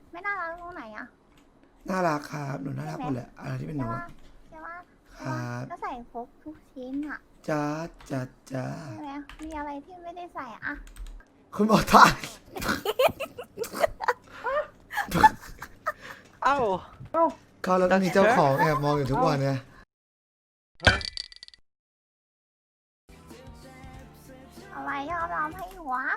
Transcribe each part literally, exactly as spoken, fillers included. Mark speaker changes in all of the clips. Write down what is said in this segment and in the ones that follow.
Speaker 1: ไม่น่ารักตรงไหนอะ
Speaker 2: น่ารักครับหนูน่ารักห
Speaker 1: ใช่ไหม
Speaker 2: มดแหละอะไรที่เป็นหนู
Speaker 1: ใช่ว่าใช่ว่า
Speaker 2: ค
Speaker 1: ใช่
Speaker 2: รั
Speaker 1: ว่า
Speaker 2: บ
Speaker 1: ก็ใส่ครบทุกชิ้นอะ
Speaker 2: จ้าจ้าจ้า
Speaker 1: ใช่ไหมมีอะไรที่ไม่ได้ใส่อะ
Speaker 2: คุณบอกท่าน
Speaker 3: เอ้า
Speaker 2: เขาแล้วก็มีเจ้าของแอบมองอยู่ทุกวันไง
Speaker 1: อะไรยอมรับให้หนูวะ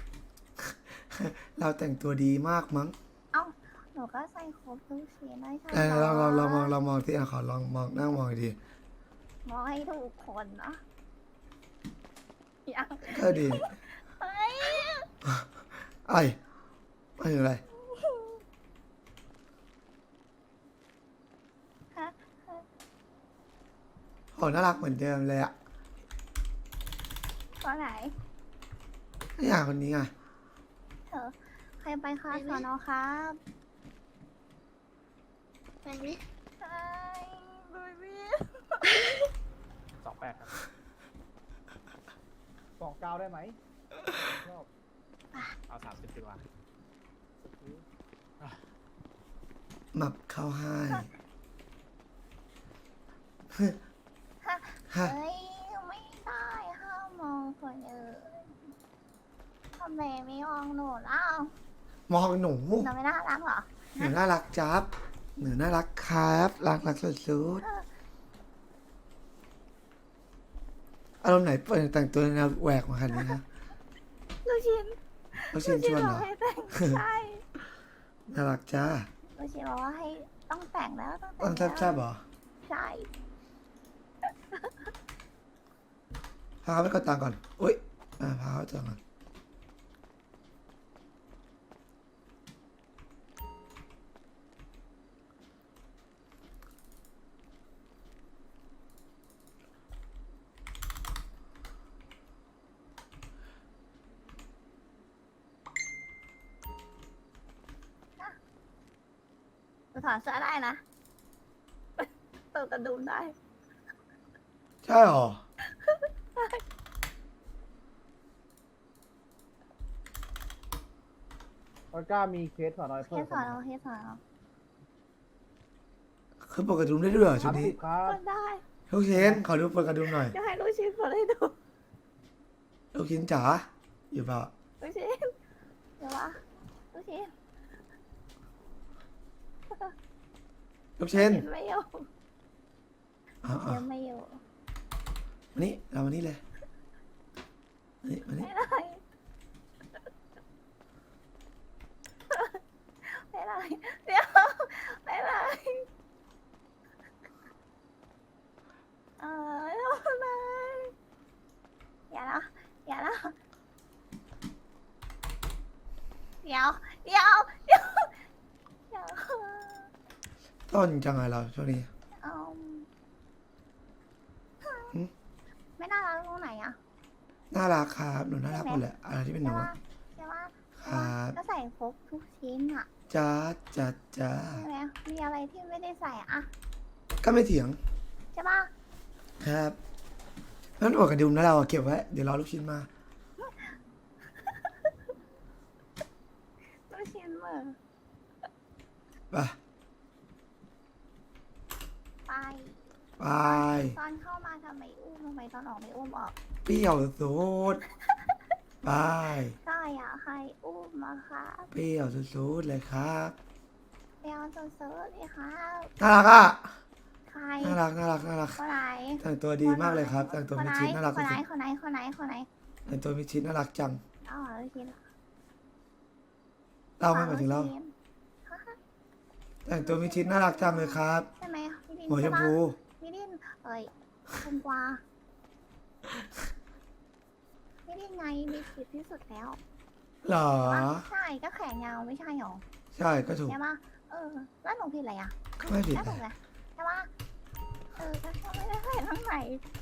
Speaker 2: เราแต่งตัวดีมากมั้ง
Speaker 1: เอ้าหนูก็ใส่ครบทุกชิ้นได้ใช่
Speaker 2: เออ
Speaker 1: เหรอ
Speaker 2: ลองลองลองมองลองมองที่อ่ะขอลองมองนั่งมองดี
Speaker 1: มองให้ถูกคนเนาะยัง
Speaker 2: ก็ดี
Speaker 1: เฮ้ย
Speaker 2: ไอ้ไม่ถึงอะไร
Speaker 1: ฮะ
Speaker 2: โอ้น่ารักเหมือนเดิมเลยอ่ะ
Speaker 1: ตัวไหน
Speaker 2: นี่อ่ะคนนี้ไง
Speaker 1: เธอใครไปคะสอนอครับ
Speaker 4: ไปไหม
Speaker 1: เฮ้ยบยบี้
Speaker 3: สองแปดครับสองเก้าได้ไหมชอบเอาสามสิบดีกว่า
Speaker 2: หมับเข้าให้ฮะ
Speaker 1: เฮ้ยไม่ได้ห้ามมองคนอื่นทำไมไม่มองหนูเล่าม
Speaker 2: องหนู
Speaker 1: หนูไม่น่ารักเหรอ
Speaker 2: หนูน่ารักจับหนูน่ารักครับรักรักสุดๆอารมณ์ไหนเปิดแต่งตัวแนวแหวกมาขนาดนี้ฮะ
Speaker 1: ลูกชิ้น
Speaker 2: เขาชินชวนเหรอ
Speaker 1: ลูกชิ้นบอกให้แต่งใช่
Speaker 2: น่ารักจ้า
Speaker 1: ลูกชิ้นบอกว่าให้ต้องแต่งแล้วต้องแต่
Speaker 2: ต้อง
Speaker 1: ง
Speaker 2: แซ่บแซ่บๆเหรอ
Speaker 1: ใช่
Speaker 2: พาเขาไปกดตังค์ก่อนอุ้ยอ่าพาเขาไปจองก่อน
Speaker 1: หนูถอดเสื้อได้นะเปิดกระดุมได้
Speaker 2: ใช่เหรอ
Speaker 3: ออก้ามีเคสสอนอ
Speaker 1: เค
Speaker 3: เพิ่ม
Speaker 1: สสอนเราเคสสอนเรา
Speaker 2: คือเปิดกระดุมได้ด้วยเหรอชุดนี้
Speaker 3: ครับ
Speaker 1: เปิดได้
Speaker 2: ลูกชิ้นขอดูเปิดกระดุมหน่อย
Speaker 1: จะให้ลูกชิ้นเปิดให้ดู
Speaker 2: ลูกชิ้นจ๋าอยู่เปล่า
Speaker 1: ลูกชิ้นเดี๋ยววะลูกชิ้น
Speaker 2: ลูกชิ้น
Speaker 1: ลูกชิ้นไม่อยู่
Speaker 2: อ๋อ
Speaker 1: ลูกชิ้นไม่อยู่
Speaker 2: มานี่เรามานี่เลยมานี่มานี่
Speaker 1: ไม่ได้ไม่ได้เดี๋ยวไม่ได้เออทำไมอย่าละอย่าละเดี๋ยวเดี๋ยวเดี๋ยวเดี๋ยว
Speaker 2: ต้นจังไงเราช่วงนี้
Speaker 1: เอา
Speaker 2: หึ
Speaker 1: ไม่น่ารักตรงไหนอะ
Speaker 2: น่ารักครับหนูน่ารักหมดแหละอะไรที่เป็นห
Speaker 1: ใช่
Speaker 2: นู
Speaker 1: ว่าใช่ว่า
Speaker 2: ครับ
Speaker 1: ก็ใส่ครบทุกชิ้นอะ
Speaker 2: จ้าจ้าจ้า
Speaker 1: ใช่ไหมมีอะไรที่ไม่ได้ใส่อะ
Speaker 2: ก็ไม่เถียง
Speaker 1: ใช่ป่ะ
Speaker 2: ครับนั่นอวดกระดุมนะเราอะเก็บไว้เดี๋ยวรอลูกชิ้นมา
Speaker 1: ลูกชิ้นเหมือ
Speaker 2: ไป
Speaker 1: ไป
Speaker 2: ไป
Speaker 1: ตอนเข้ามาทำไมอุ้มทำไมตอนออกไม่อุ้มออก
Speaker 2: เปรี้ยวสุดไป
Speaker 1: ก็อยากให้อุ้มมาค่ะ
Speaker 2: เปรี้ยวสุดๆเลยครับ
Speaker 1: ไปเอาโซโซเลยค่ะ
Speaker 2: น่ารักอ่ะ
Speaker 1: ใคร
Speaker 2: น่ารักน่ารักน่ารัก
Speaker 1: คนไหน
Speaker 2: แต่งตัวดีมากเลยครับแต่งตัว
Speaker 1: คน
Speaker 2: มิ
Speaker 1: ไหน
Speaker 2: ดชิดน่ารัก
Speaker 1: คนไหน
Speaker 2: สุด
Speaker 1: คนไหนคนไหนคนไหน
Speaker 2: ๆแต่งตัวมิดชิดน่ารักจัง
Speaker 1: อ๋อลูกชิ้น
Speaker 2: เราไม่หมายถึงเรา
Speaker 1: ลูกชิ้น
Speaker 2: แต่งตัวมิดชิดน่ารักจังเลยครับ
Speaker 1: ใช่ไหมพี่ดิน
Speaker 2: หัวช
Speaker 1: ใช่
Speaker 2: ม
Speaker 1: ปะ
Speaker 2: พู
Speaker 1: พี่ดินเอ้ยคุณกวาพี่ดินไงมีสิทธิ์ที่สุดแล้ว
Speaker 2: เหรอ
Speaker 1: ใช่ก็แขนยาวไม่ใช่หรอ
Speaker 2: ใช่ก็ถูก
Speaker 1: ใช่ปะเออแล้วหนูผิดอะไรอ่ะ
Speaker 2: ก็ไม่ผิด
Speaker 1: แล้ว
Speaker 2: เล
Speaker 1: ถูก
Speaker 2: ย
Speaker 1: เลยใช่ปะเออก็ไม่ได้ใส่ทั้งไหน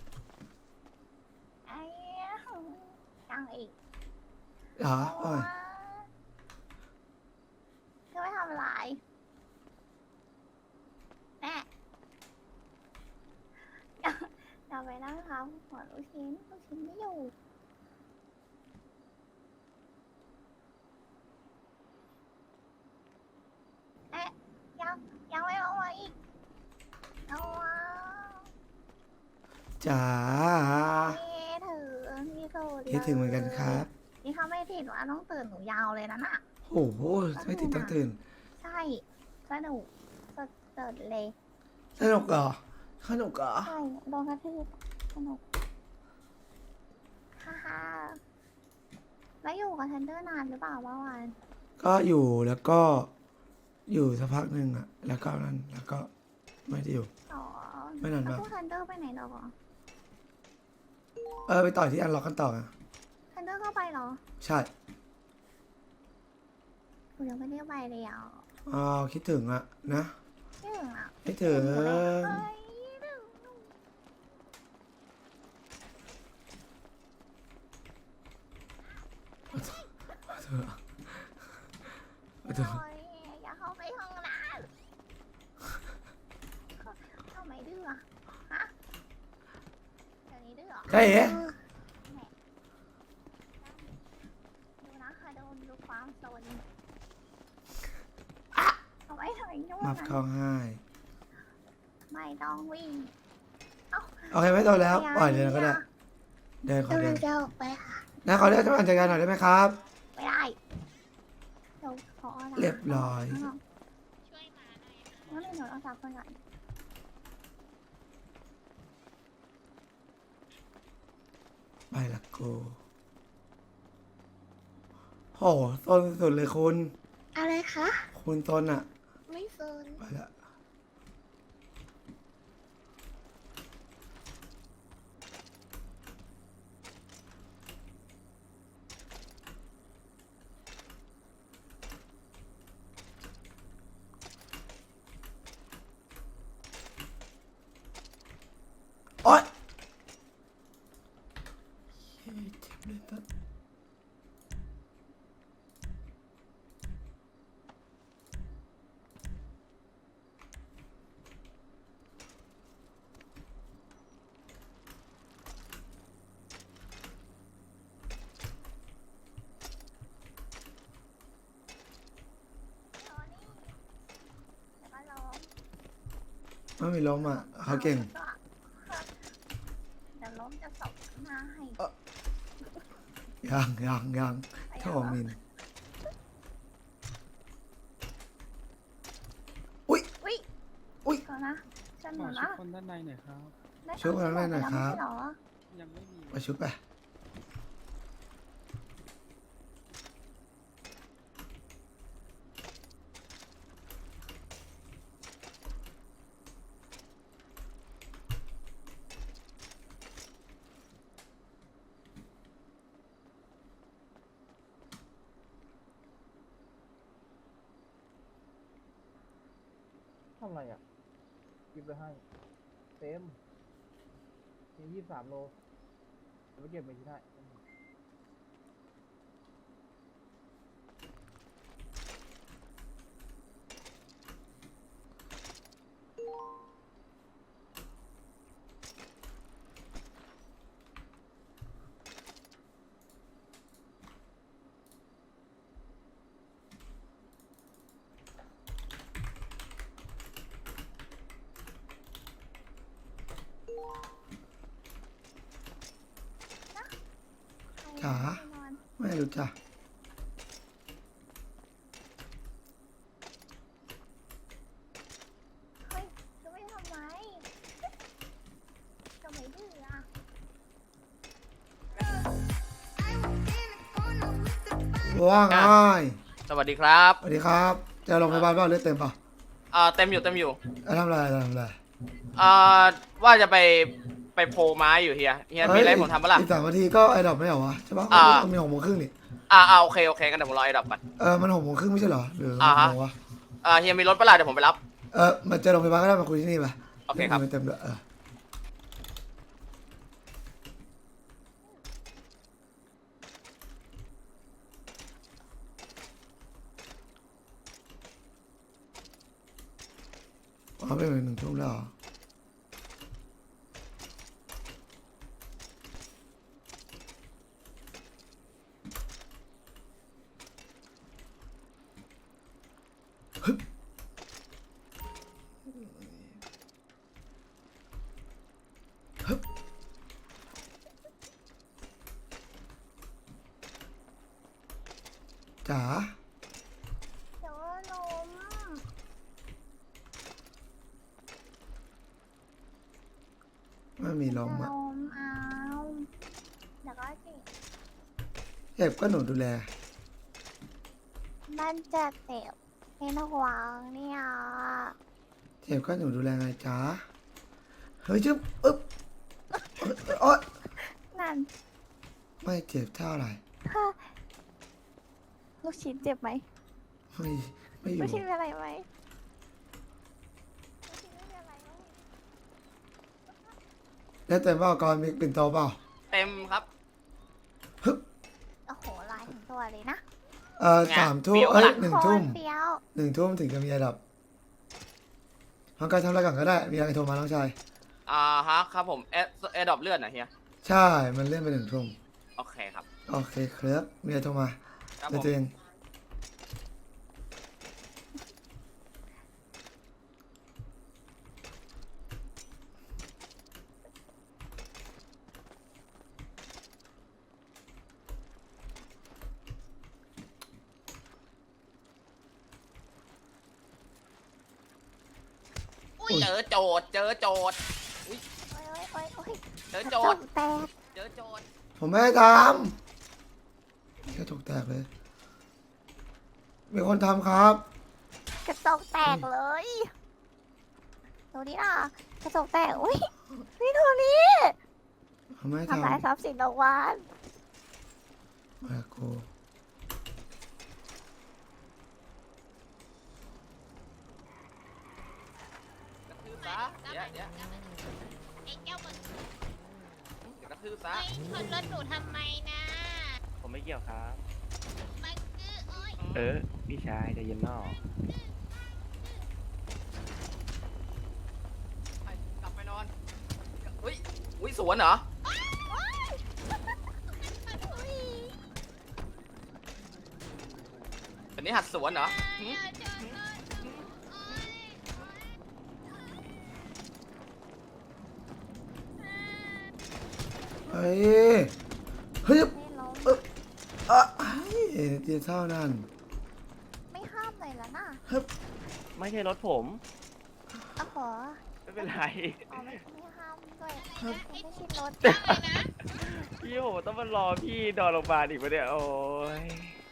Speaker 1: ไอ้ยังอีก
Speaker 2: เหรอโอ้ย
Speaker 1: ก็ไม่ทำอะไรแม่อย่าอย่าไปนั่งทำหัวลูกชิ้นลูกชิ้นไม่อยู่เอาวะ
Speaker 2: จ๋า
Speaker 1: พี่ถึงพี่สุด
Speaker 2: คิดถึงเหมือนกันครับ
Speaker 1: นี่เขาไม่ติดว่าต้องตื่นหนูยาวเลยนะน่ะ
Speaker 2: โอ้โหไม่ติดต้องตื่น
Speaker 1: ใช่สนุกสดเดิดเลย
Speaker 2: สนุกเหรอสนุกเหรอ
Speaker 1: ใช่โดนกระทืบสนุกฮ่าฮ่าแล้วอยู่กับเทนเดอร์นานหรือเปล่าเมื่อวาน
Speaker 2: ก็อยู่แล้วก็อยู่สักพักหนึ่งอะแล้วก็นั้นแล้วก็ไม่ได้อยู่
Speaker 1: อ๋อ
Speaker 2: ไม่นานมาก
Speaker 1: แล้วพวกเทนเดอร์ไปไหนหรอ
Speaker 2: เออไปต่อที่อันล็อกกันต่ออะ
Speaker 1: เทนเดอร์ก็ไปเหรอ
Speaker 2: ใช่
Speaker 1: หนูยังไม่ได้ไปเลยอ่ะ
Speaker 2: อ๋อคิดถึงอะนะ
Speaker 1: ไม่ถึงอ่ะ
Speaker 2: คิดถึง
Speaker 1: หนูเลยเอ้ยถึงหนู
Speaker 2: เธอเธอ
Speaker 1: โอ้ยอย่าเข้าไปห้องน้ำทำไมดื้ออะฮะเดี๋ยวนี้ดื้อเหรอ
Speaker 2: ใช่เหรอ
Speaker 1: ดูนะคะโดนดูความโซนเอาไว้ถอยนู่น
Speaker 2: มับ
Speaker 1: นะ
Speaker 2: เข้าให้
Speaker 1: ไม่ต้องวิ่ง
Speaker 2: โอเคไม่โตแล้วปล่อยเดินก็ได้เดินขอเดิน
Speaker 1: จะออกไปค่ะ
Speaker 2: นะขอเดินจัดการหน่อยได้ไหมครับ
Speaker 1: ไม่ได้เดี๋ยวขออะไร
Speaker 2: เรียบร้อย
Speaker 1: ช่วยมาหน่อยค่ะงั้นเดี๋ยวเราจับคนก่อน
Speaker 2: ไปละกูโหโซนสุดเลยคุณ
Speaker 1: อะไรคะ
Speaker 2: คุณโซนอะ
Speaker 1: ไม่โซน
Speaker 2: ไปละโอ๊ยเฮ้ยเจ็บเลยตัดไม่มีล้มอ่ะเขาเก่ง
Speaker 1: เดี๋ยวล้มจะสบหน้าให้
Speaker 2: ยังยังยังโทมิน อุ้ย
Speaker 1: อุ้ย
Speaker 2: อุ๊ย
Speaker 1: ก่อนนะฉันห
Speaker 3: ข
Speaker 1: นู
Speaker 3: อชุ
Speaker 1: นะ
Speaker 3: ดคนด้านในหน่อยครับ
Speaker 1: ได้
Speaker 2: ช่วยคนละหน่อยครับ
Speaker 1: ไม่ใช่เหรอ
Speaker 3: ยังไม่มี
Speaker 2: ไปชุบไป
Speaker 3: ทำอะไรอ่ะหยิบไปให้ เต็มมียี่สิบสามโลเดี๋ยวไปเก็บไปที่ได้
Speaker 2: จ๋า ไม่รู้จัก
Speaker 1: เฮ้ยจะไม่ทำไมจะไม่ดื้ออ่ะ
Speaker 2: ว่าไง
Speaker 4: สวัสดีครับ
Speaker 2: สวัสดีครับ จะลงพยาบาลเปล่าเลือดเต็มเปล่า
Speaker 4: อ่าเต็มอยู่เต็มอยู่
Speaker 2: แล้วทำอะไรทำอะไร
Speaker 4: อ่าว่าจะไปไปโพลไม้อยู่เฮียเฮียมีอะไรให้ผมทำปะล่ะ
Speaker 2: อีกสามนาทีก็ไอ้ดอกไม่เหรอวะใช่ปะ
Speaker 4: อ่า
Speaker 2: มันมีหกโมงครึ่งนี่
Speaker 4: อ่าอ่าโอเคโอเคกันเดี๋ยวผมรอไอ้ดอกก่อน
Speaker 2: เออมันหกโมงครึ่งไม่ใช่เหรอหรือห
Speaker 4: อ่าก ฮะ
Speaker 2: โมงวะ
Speaker 4: อ่าเฮียมีรถปะล่ะเดี๋ยวผมไปรับ
Speaker 2: เออมาเจอโรงพยาบาลก็ได้มาคุยที่นี่ไป
Speaker 4: โอเคครับ
Speaker 2: เต็มเต็มเลยเอออ๋อเป็นหนึ่งทุ่มแล้วเหรอจ๋า
Speaker 1: เดี๋ยวก็ล้ม
Speaker 2: ไม่มีลม
Speaker 1: จะ
Speaker 2: อ่ะ
Speaker 1: ล้มเอาเดี๋ยวก็เจ็บ
Speaker 2: เจ็บก็หนูดูแล
Speaker 1: มันจะเจ็บเป็นห่วงเนี่ย
Speaker 2: เจ็บก็หนูดูแลไงจ๋าเฮ้ยจึ๊บอึ๊บโอ๊ย
Speaker 1: นั่น
Speaker 2: ไม่เจ็บเท่าไหร่
Speaker 1: ลูกชิ้นเจ็บไหม
Speaker 2: ไม่ไม่อ
Speaker 1: ลู
Speaker 2: ยู่
Speaker 1: กชิ้นเป็นอะไรไหมลูกชิ้นไม่เป็นอะไรไหม
Speaker 2: แล้วแต่ว่าก่อนมีปิ่นโตเปล่า
Speaker 4: เต็มครับ
Speaker 2: ฮึบ
Speaker 1: โอ้โหลายถึงตัวเลยนะ
Speaker 2: เอ่อ
Speaker 4: ไง
Speaker 2: สามทุ่ม
Speaker 4: เปรี้ยว
Speaker 2: เอ้ย
Speaker 4: ปะ
Speaker 2: หนึ่งทุ่ม
Speaker 1: โคตรเปรี้ยว
Speaker 2: หนึ่งทุ่มถึงจะมีระดับทางการทำอะไรก่อนก็ได้ มีอะไรโทรมาน้องชาย
Speaker 4: อ่าฮะครับผมแอดแอดดอปเลือดนะเฮีย
Speaker 2: ใช่ มันเลื่อนไปหนึ่งทุ่ม
Speaker 4: โอเคครับ
Speaker 2: โอเคครับมีอะไรโทรมา
Speaker 4: ครับ
Speaker 2: เดี๋ยว
Speaker 4: ผม
Speaker 2: ตัวเอง
Speaker 4: เจอโจทย์เจอโจทย์
Speaker 1: โอ้ยโอ้ยโอ้ยโอ้ย
Speaker 4: เจอก
Speaker 1: ระ
Speaker 4: โจ
Speaker 1: จ
Speaker 4: ท
Speaker 1: ก
Speaker 4: ย์
Speaker 1: แตก
Speaker 4: เจอโจทย์
Speaker 2: ผมไม่ได้ทำแค่ถูกแตกเลย มีคนทำครับ
Speaker 1: กระจกแตกเลยดูดิอ่ะกระจกแตกอุ้ยนี่โทนี่
Speaker 2: ผมไม่ได้
Speaker 1: ทำลาย
Speaker 2: ทำ
Speaker 1: ทรัพย์สินรางวัล
Speaker 2: มาโก
Speaker 4: กระทืบซะเดี๋ยวเดี๋ยว
Speaker 5: ไอ้เจ้ามัน
Speaker 4: เดี๋ยวกระทืบซะ
Speaker 5: ไม่ชนรถหนูทำไมนะ
Speaker 6: ผมไม่เกี่ยวครับ
Speaker 5: มันคือโอ้ย
Speaker 6: เออ พี่ชายใจเย็นนอก
Speaker 4: ไปกลับไปนอนอุ้ยอุ้ยสวนเหรอ อันนี้หัดสวนเหรอหืม
Speaker 5: ชนรถหนูโอ้ย
Speaker 2: เฮ้ย เฮ้ย
Speaker 1: ไม่ล้ม
Speaker 2: อ่ะเฮ้ยเดี๋ยวเท่านั้น
Speaker 1: ไม่ห้ามเลยแล้วนะ
Speaker 6: ไม่ใช่รถผม
Speaker 1: โอ้โห
Speaker 6: ไม่เป็นไร
Speaker 1: อ๋อไม่ไม่ห้ามด้วยไม่ใช่รถ
Speaker 5: อะไรนะ
Speaker 6: พี่ผมต้องมารอพี่นอนโรงพยาบาลอีกปะเนี่ย โอ้ย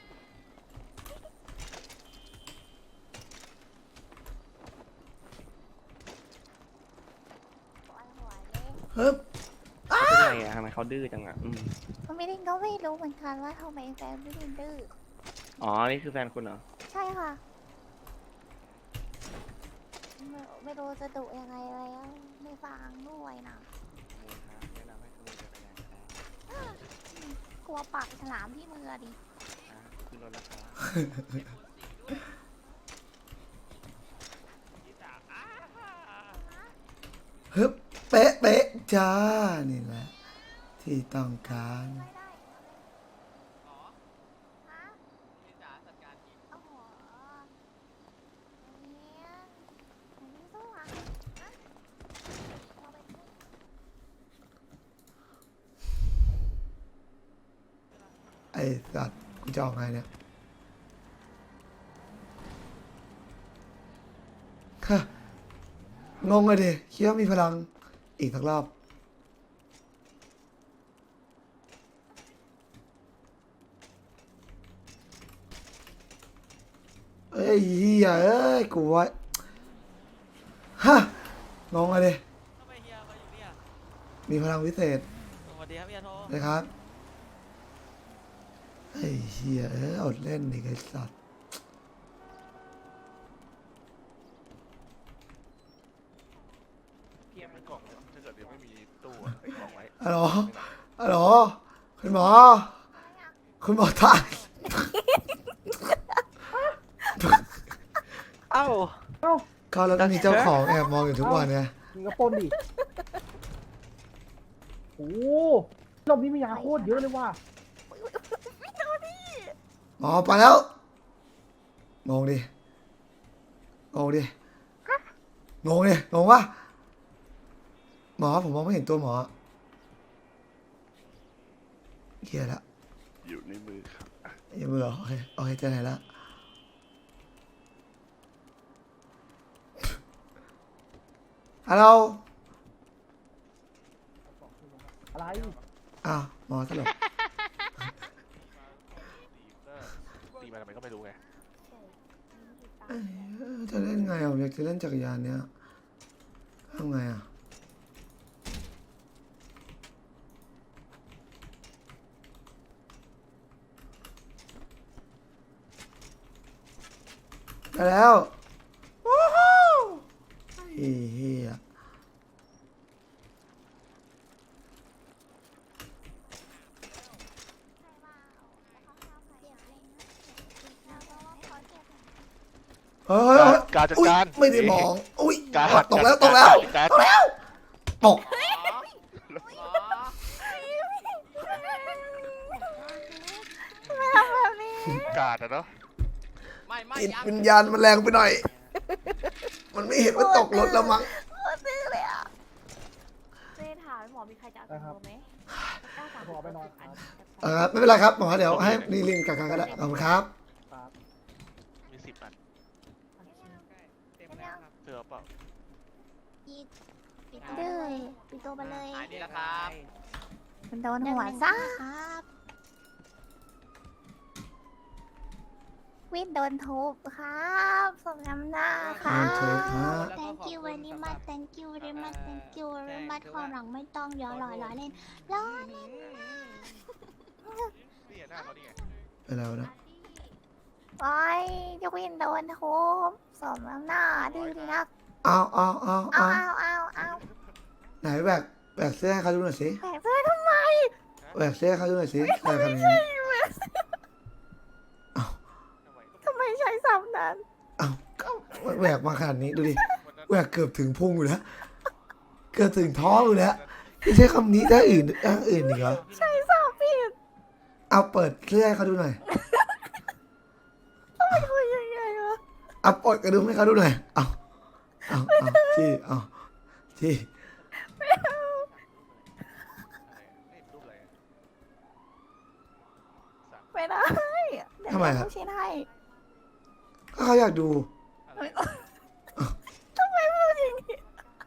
Speaker 1: ปวดหัวเลย
Speaker 2: เฮ้ย
Speaker 6: เป็นไงอะทำไมเขาดื้อจังอะอืม
Speaker 1: ไม่ได้ก็ไม่รู้เหมือนกันว่าทำไมแฟนไม่ได้ดื้อ
Speaker 6: อ๋อ นี่คือแฟนคุณเหรอ
Speaker 1: ใช่ค่ะไม่ไม่รู้จะดุยังไงแล้วไม่ฟังด้วยนะ
Speaker 6: แนะนำให้ขโมยจักรยานก็ได้
Speaker 1: กลัวปากฉลามที่มือดิ
Speaker 6: อ่ะขึ้นรถแล้วครับพี่สาวอ่า
Speaker 2: ฮึบเป๊ะเป๊ะจ้า นี่แหละ ที่ต้องการ
Speaker 1: ไม่ได้
Speaker 4: อ๋อ
Speaker 1: ฮะ
Speaker 4: พี่จ๋าจัดการที
Speaker 1: โอ้โหเนี่ยอันนี้สู้อ่ะฮะเอาไปสิ
Speaker 2: ไอ้สัตว์กูจะออกไงเนี่ยฮะงงเลยดิคิดว่ามีพลังอีกสักรอบ เอ้ยเฮียเอ้ยกูว่าฮะงงเลยดิ
Speaker 7: ทำไมเฮียมาอยู่เนี่ย
Speaker 2: มีพลังวิเศษ
Speaker 7: สวัสดีครับเฮียโท
Speaker 2: นะครับไอ้เฮียเอ้ยอดเล่นดิไอ้สัตว์
Speaker 6: เพียงมันกล่อง
Speaker 8: ถ้าเกิดยังไม่มีตู้อะใส่กล่องไว้
Speaker 2: ฮัลโหลฮัลโหลคุณหมอ คุณหมอตาย
Speaker 7: เอ้า
Speaker 3: เอ้า
Speaker 2: เขาแล้วก็มีเจ้าของแอบมองอยู่ทุกวันเนี่ย
Speaker 3: มึงก็ปล้นดิโอ้โหรอบนี้มียาโคตรเยอะเลยว่ะ
Speaker 2: หมอไปแล้วงงดิงงดิงงดิงงวะหมอผมมองไม่เห็นตัวหมอเฮียละ
Speaker 8: อยู่ในมือครับอ่ะ
Speaker 2: อย่าเบื่อโอเคโอเคเจอไหนละฮัลโหล
Speaker 3: อะไร
Speaker 2: อ้าวหมอสลบ
Speaker 8: ตีมาทำไมก็ไม่รู้ไง
Speaker 2: เอ้ยจะเล่นไงอ่ะผมอยากจะเล่นจักรยานเนี้ยทำไงอ่ะได้แล้ววู้ฮู้ไอ้เหี้ยเฮ้ย
Speaker 8: การจัด
Speaker 2: อุ๊ย
Speaker 8: การ
Speaker 2: ไม่ได้มองอุ้ย
Speaker 8: การ
Speaker 2: ตกแล้วตกแล้ว
Speaker 8: การ
Speaker 2: ตกแล้วตก
Speaker 8: การอะเนาะ
Speaker 4: ไม่ไม่
Speaker 2: จิต
Speaker 4: ยัง
Speaker 2: วิญญาณมันแรงไปหน่อย มันไม่เห็นว่าตกรถแล้วมั้ง
Speaker 1: ซื้อเลยอ่ะ
Speaker 9: เจ๊ถามหมอมีใครจะเอาตัวไหมเก้าสาม
Speaker 3: ขอไปนอนครับ
Speaker 2: เออไม่เป็นไรครับหมอเดี๋ยวให้นีลินกับกันก็ได้ขอบคุณครับ
Speaker 3: ครับ
Speaker 8: มีสิบอัน
Speaker 7: เต็มแล้วครับ
Speaker 8: เจอเปล่า
Speaker 1: ปีปีดื้อปีโตไปเลย
Speaker 4: หายดีแล้วครับ
Speaker 1: มันโดนหัวซ่าครับวินโดนทุบครับสมน้ำหน้าครั
Speaker 2: โอเค
Speaker 1: บ
Speaker 2: ครับ
Speaker 1: thank you very much thank you very much thank you very much ความหลังไม่ต้องย้อนลอยล้อเล่นล้อเล่น
Speaker 8: นี่หน้าเขานี่ไง
Speaker 2: ไปแล้วนะ
Speaker 1: โอ้ยจะวินโดนทุบสมน้ำหน้าดื้อดีนัก
Speaker 2: เอาเอาเอา
Speaker 1: เอา
Speaker 2: เอา
Speaker 1: เอาเอาเอา
Speaker 2: ไหนแบกแบกเสื้อให้เขาดูหน่อยสิ
Speaker 1: แผลเสื้อทำไม
Speaker 2: แบกเสื้อให้เขาดูหน่อยสิใครทำอย่างนี้เอา
Speaker 1: ทำไมใช้ศัพท์นั้น
Speaker 2: เอาก็แบกมาขนาดนี้ดูดิแบกเกือบถึงพุงอยู่แล้วเกือบถึงท้องอยู่แล้วไม่ใช่คำนี้ถ้าอื่นถ้าอื่นอีกเหรอ
Speaker 1: ใช้ศัพท์ผิด
Speaker 2: เอาเปิดเสื้อให้เขาดูหน่อย
Speaker 1: ไม่คุยยังไงวะ
Speaker 2: เอาเปิดกระดุมให้เขาดูหน่อยเอาเอาเอาที่เอาที่
Speaker 8: รูปอะไร
Speaker 1: ไม่ได้เดี๋ยว
Speaker 2: ทำไมครับ
Speaker 1: ลูกชิ้นให้
Speaker 2: ก็เขาอยากดู
Speaker 1: ทำไมพูดอย่างนี้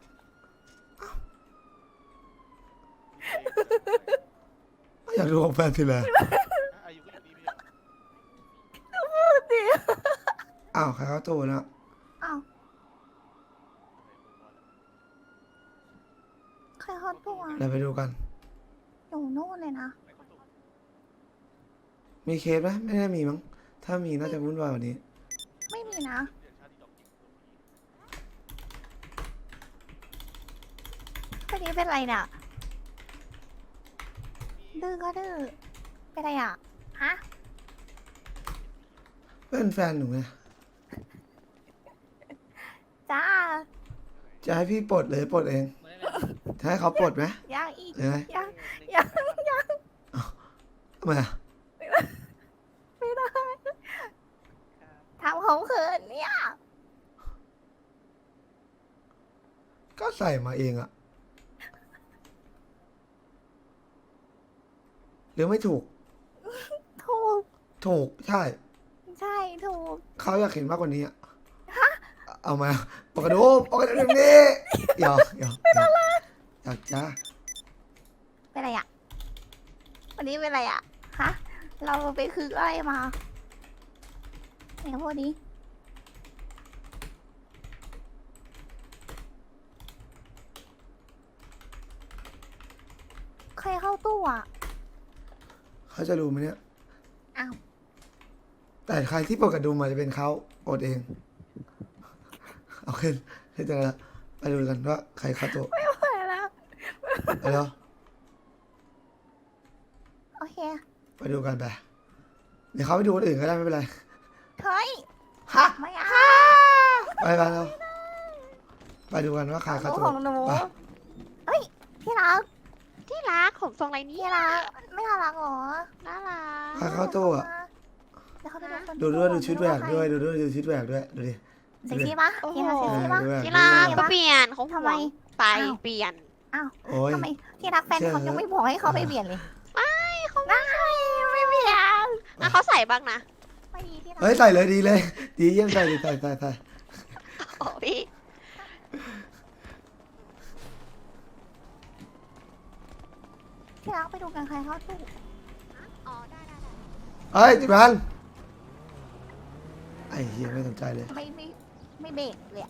Speaker 2: อยากดูของแฟนทีไร
Speaker 8: อายุก็อยู่นี่พี่
Speaker 1: พูดดิ
Speaker 2: อ้าวใครเขาโตนะ
Speaker 1: อ้าวใครเขาตัว
Speaker 2: เดี๋ยวไปดูกัน
Speaker 1: อยู่นู่นเลยนะ
Speaker 2: มีเคสไหมไม่ได้มีมั้งถ้ามีน่าจะวุ่นวายกว่านี้
Speaker 1: ไม่มีนะคนนี้เป็นไรเนี่ยดื้อก็ดื้อเป็นไรอ่ะฮะ
Speaker 2: เป็นแฟนหนูไง
Speaker 1: จ้า
Speaker 2: จะให้พี่ปลดเลยปลดเองจะให้เขาปลดไหม
Speaker 1: ยังอีก
Speaker 2: หรือไง
Speaker 1: ยังยังยัง
Speaker 2: ทำไมอะ
Speaker 1: ไม่ได้ทำของเขินเนี่ย
Speaker 2: ก็ใส่มาเองอะหรือไม่ถูก
Speaker 1: ถูก
Speaker 2: ถูกใช่
Speaker 1: ใช่ถูก
Speaker 2: เขาอยากเห็นมากกว่านี้อะเอามาปกระดูปกระดูตรงนี้หยอกหยอกหยอกหยอกจ้า
Speaker 1: เป็นไรอ่ะ วันนี้เป็นไรอ่ะ ฮะ เราไปคืออะไรมาไหนพูดดิใครเข้าตู้อ่ะ
Speaker 2: เขาจะรู้ไหมเนี่ย
Speaker 1: อ้าว
Speaker 2: แต่ใครที่ปกระดุมมาจะเป็นเขาอดเอง เอาขึ้นให้เจอละไปดูกันว่าใครเข้าตัว
Speaker 1: ไม่ไหวแล้ว
Speaker 2: ไปแล้ว
Speaker 1: โอเค
Speaker 2: ไปดูกันไปเดี๋ยวเขาไปดูคนอื่นก็ได้ไม่เป็นไร
Speaker 1: เฮ้ย
Speaker 2: ฮะ
Speaker 1: ไม่เอา
Speaker 2: ไปไปแล้วไปดูกันว่าใครเข้าตัว
Speaker 1: ของหนู
Speaker 2: ไป
Speaker 1: เฮ้ย ที่รัก
Speaker 9: ที่รักของทรงไรนี่
Speaker 1: ที่รัก ไม่น่ารักเหรอ
Speaker 9: น่ารัก
Speaker 2: ใครเข้าตัวอะ
Speaker 1: เดี๋ยวเขาไปดูคน
Speaker 2: ดูด้วยดูชุดแหวก
Speaker 1: ใคร
Speaker 2: ด้วยดูด้วยดูชุดแหวกด้วยดูดิ
Speaker 1: เซ็กซี่ปะที่รักเซ็กซี่ปะ
Speaker 2: ดูแหวก
Speaker 9: ที่รัก
Speaker 1: ดูแหว
Speaker 9: ก็เปลี่ยนเขา
Speaker 1: ทำไม
Speaker 9: ห่วงไป
Speaker 1: อ้าว
Speaker 9: เปลี่ยน
Speaker 1: อ้าว
Speaker 2: โอ้ย
Speaker 1: ทำไมที่รักแฟนเขายังไม่บอกให้เขาไปเปลี่ยนเลย
Speaker 9: ไม่เข
Speaker 5: เขาไม่ใส่ไม่เบียงอ่ะเขาใส่บ้างนะ
Speaker 1: ไม่ดีที่รัก
Speaker 2: เฮ้ยใส่เลยดีเลย ดีเยี่ยมใส่ดิใส่ใส่ใส่
Speaker 5: โอ้พี่
Speaker 1: ที่รักไปดูกันใครเข้าตู้
Speaker 5: อ๋อได้ได้ได้
Speaker 2: เฮ้ยจิบันไอ้เฮียไม่สนใจเลย
Speaker 1: ไม่ไม่ไม่เบรกเลยอะ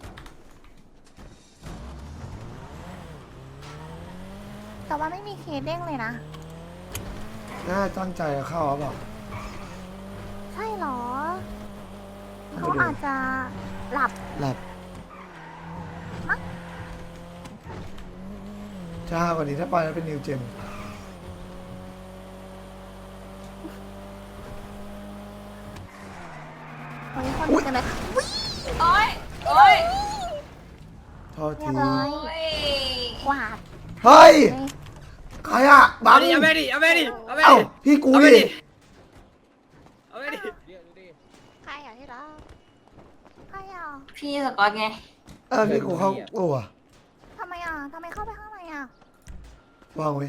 Speaker 1: แต่ว่าไม่มีเคสเด้งเลยนะ
Speaker 2: น่าตั้งใจจะเข้าหรือเปล่า
Speaker 1: ใช่เหรอ
Speaker 2: ต้อง
Speaker 1: เขา
Speaker 2: ไปดู
Speaker 1: อาจจะหลับ
Speaker 2: หลับช้ากว่านี้ถ้าไปแล้วเป็นนิวเจม
Speaker 1: เฮ้ยคนดูกันเลย
Speaker 9: โอ้ยโอ้ย
Speaker 2: โทษ
Speaker 1: เรี
Speaker 2: ที
Speaker 1: ยบร้อย
Speaker 9: โอ้ย
Speaker 1: กวาด
Speaker 2: เฮ้ย
Speaker 1: เลย
Speaker 2: ใครอะบัง
Speaker 6: เอาไปดิเอาไปดิเอาไป
Speaker 2: เอ้า
Speaker 6: ดิ
Speaker 2: พี่กู
Speaker 6: เอาไป
Speaker 2: ดิ
Speaker 6: ดิเอาไปดิ
Speaker 3: เรียกดูดิ
Speaker 5: ใครอ่ะที่รัก
Speaker 1: ใครอ่ะ
Speaker 9: พี่สกอตไง
Speaker 2: เออพี่กูเข้าโอ้ว
Speaker 1: ทำไมอ่ะทำไมเข้าไปข้างในอ่ะ
Speaker 2: วางไว้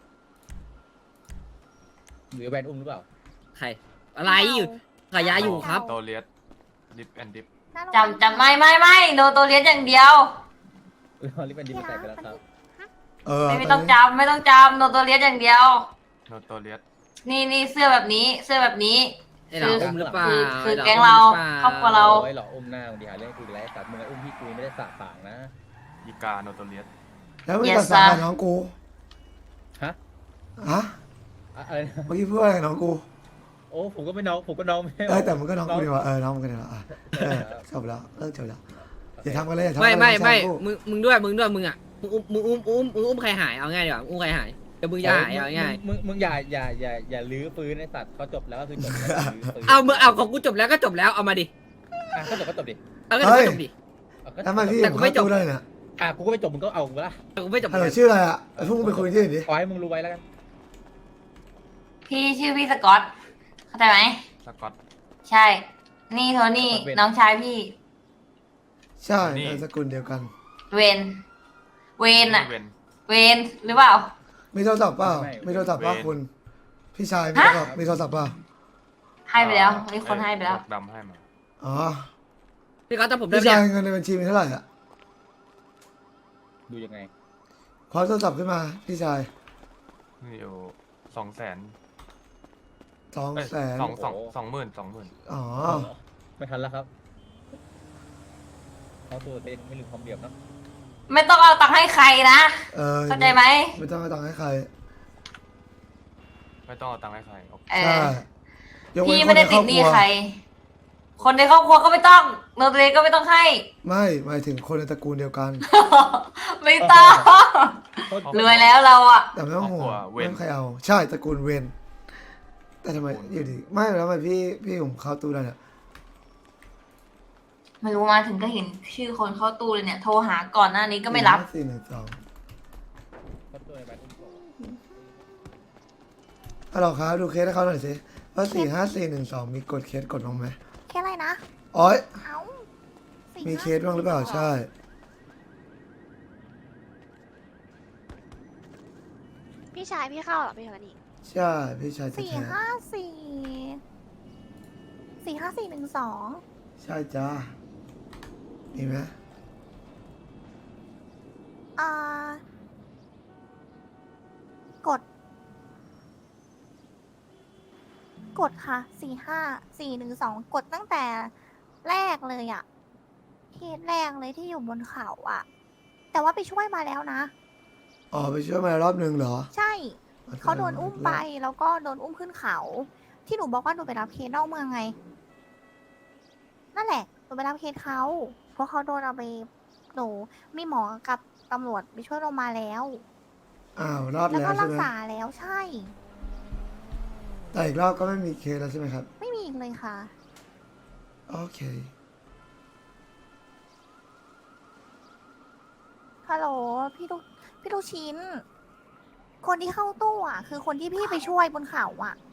Speaker 3: หรือแบนอุ้มหรือเปล่า
Speaker 6: ใครอะไรอยู่ขายาอยู่ครับ
Speaker 4: โตเลียสดิฟแอนดิฟ
Speaker 1: หน้าโรง
Speaker 9: จำจำไม่ไม่ไม่โดนตัวเลี้ยงอย่างเดียว
Speaker 3: อุ้ยฮอลลี่แบนดิมแตกไปแล้วครับ
Speaker 2: เออ
Speaker 9: ไม่ไม่ต้องจำไม่ต้องจำโดนตัวเลี้ยงอย่างเดียว
Speaker 4: โนโตเลียส
Speaker 9: นี่นี่เสื้อแบบนี้เสื้อแบบนี้
Speaker 6: ไอ้หล่ออุ้มหรือเปล่า
Speaker 9: คือคือ
Speaker 6: ไหล่
Speaker 9: แก๊งเรา
Speaker 6: อุ้มหอปล่
Speaker 9: ครอบครัวเรา
Speaker 3: โอ้ยหล่ออุ้มหน้ามึงดีหาเรื่องกูอีกแล้วสัตว์มึงไอ้อุ้มพี่กูไม่ได้สาปากนะ
Speaker 4: อีกาโนโตเลียส
Speaker 2: แล้วมึง
Speaker 9: Yes
Speaker 2: ตัดสาย
Speaker 9: sir
Speaker 2: น้องกู
Speaker 3: ฮะ
Speaker 2: ฮะ
Speaker 3: อะอะไรนะ
Speaker 2: เมื่อกี้พูดอะไรกับน้องกู
Speaker 3: โอ้ผมก็ไม่น้องผมก็น้องไม่ใช่หร
Speaker 2: เออแต่มึงก็น้องกูดีกว่าเออน้องมึงก็ดีกว่าอ่ะเออจบแล้วเลิกจบแล้วอย่าทำกันเลยอย่าทำกั
Speaker 6: ไม่
Speaker 2: นเลย
Speaker 6: ไม่ไม่
Speaker 2: น้องกู
Speaker 6: มึงมึงด้วยมึงด้วยมึงอ่ะมึงอุ้มมึงอุ้มอุ้มมึงอุ้มใครหายเอาง่ายดีกว่าอุ้มใครหายเดี๋ยวมึงจะหายเอาง่าย
Speaker 3: มึงมึงอย่าอย่าอย่าอย่าลื้อฟื้นไอ้สัตว์เขาจบแล้วก็คือจบแล้วลื้อฟื้น
Speaker 6: เอามึงเอาของกูจบแล้วก็จบแล้วเอามาดิ
Speaker 3: อ่ะก็จบก็จบดิ
Speaker 6: เอาก็จบก็จบดิ
Speaker 3: เอาก็จบ
Speaker 2: ทำไมพี่
Speaker 6: แต่กูไม่จบ
Speaker 2: เข้าตู้ได้เนี่ย
Speaker 3: อ่ะกูก็ไม่จบมึงก็เอากูละ
Speaker 6: แต่กูไม่จบ
Speaker 2: ฮัลโหลชื่ออะไรอ่ะไอ้พวกมึงไปคุยที่อื่นดิ
Speaker 3: ขอให้มึงรู้ไว้แล้วกัน
Speaker 9: พี่ชื่อพี่สกอตเข้าใจไหม
Speaker 4: สกอต
Speaker 9: ใช่ นี่โทนี่น้องชายพี่
Speaker 2: ใช่
Speaker 4: นี่
Speaker 2: นามสกุลเดียวกัน
Speaker 9: เวนเวนอะ
Speaker 4: เวน
Speaker 9: เวนหรือเปล่า
Speaker 2: มีโทรศัพท์เปล่ามีโทรศัพท์เปล่าคุณ พี่ชายมีโทรศัพท์มีโทรศัพท์เปล่า
Speaker 9: ให้ไปแล้วมีคนให้ไปแล้ว
Speaker 4: บกดำให้มา
Speaker 2: อ๋อ
Speaker 6: พี่ก๊อตจำผมได้
Speaker 2: พี่
Speaker 6: ไหม
Speaker 2: ชาย
Speaker 6: เนี่ย
Speaker 2: เงินในบัญชีมีเท่าไหร่อ่ะ
Speaker 3: ดูยังไง
Speaker 2: ขอโทรศัพท์ขึ้นมาพี่ชาย
Speaker 4: นี่อยู่สองแสน
Speaker 2: สองแสน
Speaker 4: สองสองสองหมื่นสองหมื่น
Speaker 2: อ๋อ
Speaker 3: ไม่ทันแล้วครับเขาตัวเป็นไม่ลืมความเดียบเนาะ
Speaker 9: ไม่ต้องเอาตังค์ให้ใครนะ
Speaker 2: เออ
Speaker 9: เข้าใจไหม
Speaker 2: ไม่ต้องให้ตังค์ให้ใคร
Speaker 4: ไม่ต้องเอาตังค์ให้ใครโอเค
Speaker 9: เอ
Speaker 2: ใช่
Speaker 9: อย
Speaker 2: กเว้
Speaker 9: พี่
Speaker 2: นค
Speaker 9: ไม่
Speaker 2: นใน
Speaker 9: ได้
Speaker 2: คร
Speaker 9: ติ
Speaker 2: อ
Speaker 9: ด
Speaker 2: บ
Speaker 9: ห
Speaker 2: ค
Speaker 9: นี้
Speaker 2: รัว
Speaker 9: ใคร คนในครอบครัวก็ไม่ต้องโนตเรก็ไม่ต้องให้
Speaker 2: ไม่หมายถึงคนในตระกูลเดียวกัน
Speaker 9: ไม่ต้อง
Speaker 3: เขา
Speaker 9: รวยแล้วเราอะ
Speaker 2: แต่ไม่ต้องห่วง
Speaker 4: ครอบครัวเว
Speaker 2: ไม่
Speaker 4: น
Speaker 2: ต้องใครเอา ใช่ตระกูลเวนแต่ทำไมอยู่ดีไม่แล้วทำไมพี่พี่ผมเข้าตู้ได้เนี่ย
Speaker 9: ไม่รู้มาถึงก็เห็นชื่อคนเข้าตู้เลยเนี่ยโทรหาก่อนหน้านี้ก็ไม่รับ
Speaker 2: สี่หนึ่งสอง
Speaker 3: เขาตัวในแบนอุ้มโต
Speaker 2: ฮัลโหลครับดูเคสให้เขาหน่อยสิว่าสี่ห้าสี่หนึ่งสองมีกดเคสกดบ้างไหม
Speaker 1: แค่อะไรนะ
Speaker 2: อ๋อ
Speaker 1: เอ้าสี่
Speaker 2: มี
Speaker 1: ห้า
Speaker 2: เคสบ้างหรือเปล่าใช่
Speaker 5: พี่ชายพี่เข้าเหรอพี่คนนี้
Speaker 2: ใช่พี่ชาย
Speaker 1: สี่
Speaker 2: แท้
Speaker 1: ห้าสี่สี่ห้าสี่หนึ่งสอง
Speaker 2: ๆใช่จ้ามีไหม
Speaker 1: อ่ากด กดค่ะสี่ห้าสี่หนึ่งสองกดตั้งแต่แรกเลยอะเคสแรกเลยที่อยู่บนเขาอะแต่ว่าไปช่วยมาแล้วนะ
Speaker 2: อ๋อไปช่วยมารอบหนึ่งเหรอ
Speaker 1: ใช่ เขาโดนอุ้มไปแล้วก็โดนอุ้มขึ้นเขา ที่หนูบอกว่าหนูไปรับเคสนอกเมืองไง นั่นแหละหนูไปรับเคสเขาเพราะเขาโดนเอาไปหนูมีหมอกับตำรวจไปช่วยลงมาแล้ว
Speaker 2: อ้าวรอด
Speaker 1: แล้ว
Speaker 2: แล้ว
Speaker 1: ก็รั
Speaker 2: ใช่
Speaker 1: ก
Speaker 2: ไหม
Speaker 1: ษาแล้วใช่
Speaker 2: แต่อีกรอบก็ไม่มีเคสแล้วใช่ไหมครับ
Speaker 1: ไม่มีอีกเลยค่ะ
Speaker 2: โอเค
Speaker 1: ฮัลโหลพี่ลูกพี่ลูกชิ้น คนที่เข้าตู้อ่ะ คือคนที่พี่ไปช่วยบนเขาอ่ะ